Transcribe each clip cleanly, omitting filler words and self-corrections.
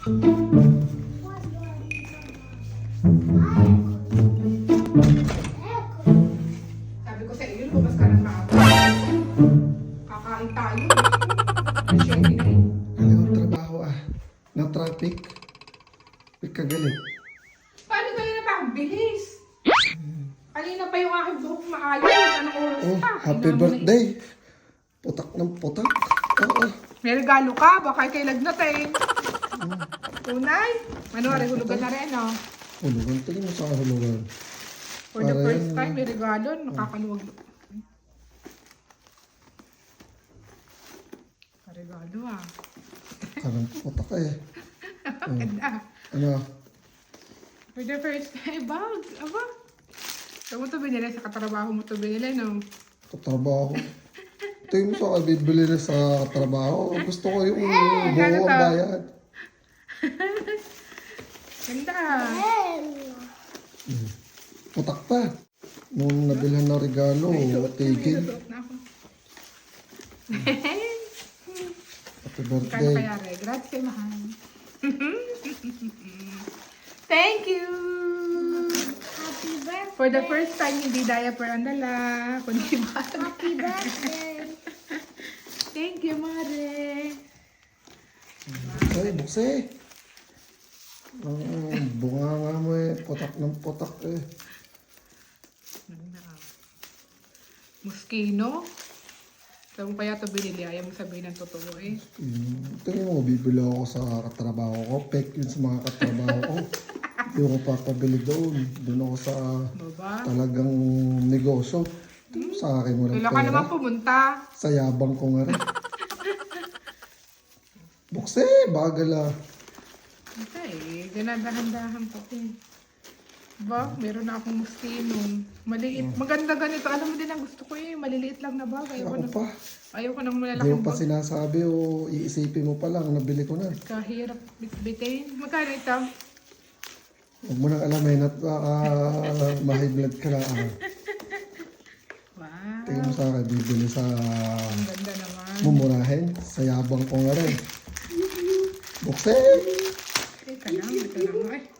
Sabi ko sa iyo, lumabas ka ng maaga. Kakain tayo. Masyente na eh. Galing ang trabaho na traffic. Kagaling. Paano tayo na pa? Ang bilis. Kanina pa yung aking buhok maayos. Anong oras Oh, pa? happy birthday. Putak ng putak. Oo. May regalo ka. Baka kay lagnatin. Tunay. Manwari, hulugan na rin, no? Hulugan. Tingin mo sa hulugan. For the Para first yan, time, may regalo. Nakakaluwag. Regalo, ah. Parang putak eh. Ganda. Ano? For the first time, bag. Aba. Saan mo ito binili? Sa katrabaho mo ito binili, no? Katrabaho. Tingin mo sa akin, bibili na sa trabaho. Gusto ko yung buo Gano ang to? bayad. Ganda. Putak pa. Nung nabilhan ng regalo, tigil. Suot na ako. Happy Kano birthday. kaya, Re? Grazie, mahal. Thank you! Happy birthday. For the first time, hindi diaper ang dala, kundi bag. Happy birthday. Thank you, Mare. Ay, bukse. Bunga nga mo eh. Putak ng putak eh. Moschino? Saan mo kaya ito binili? Ayaw mo sabihin ng totoo eh. Tingin mo, bibili ako sa katrabaho ko. Pek yun sa mga katrabaho ko. Hindi ako papabili doon. Doon ako sa Baba? talagang negosyo. Sa akin walang Kailan ka naman pera. pumunta? Sa yabang ko nga rin. Bukse, bagal ah. Okay, ganadahan-dahan ko eh. Ba, meron na akong moschino. Maliit. Maganda ganito. Alam mo din ang gusto ko eh. Maliliit lang na bag. Ako pa. Ayaw ko ng Hindi malalaking mo pa bag. sinasabi o iisipin mo pa lang. Nabili ko na. Kahirap bitbitin. Magkano ito? Huwag mo nang alamin at ma-high blood ka na. Wow. Tingin mo sa akin, bibili sa Ang ganda naman. mumurahin. Sa yabang ko nga rin. Bukse! Teka lang. Ito lang mo eh.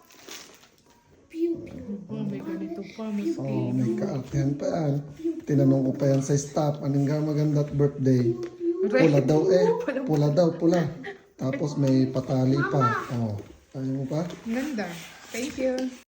Oh, may ganito pa. May Oh, skin. may kaartihan pa yan. Tinanong ko pa yan sa staff, anong nga maganda at birthday? Pula daw eh. Pula daw, pula. Tapos may patali pa. Oh, ayaw mo pa? Ganda. Thank you.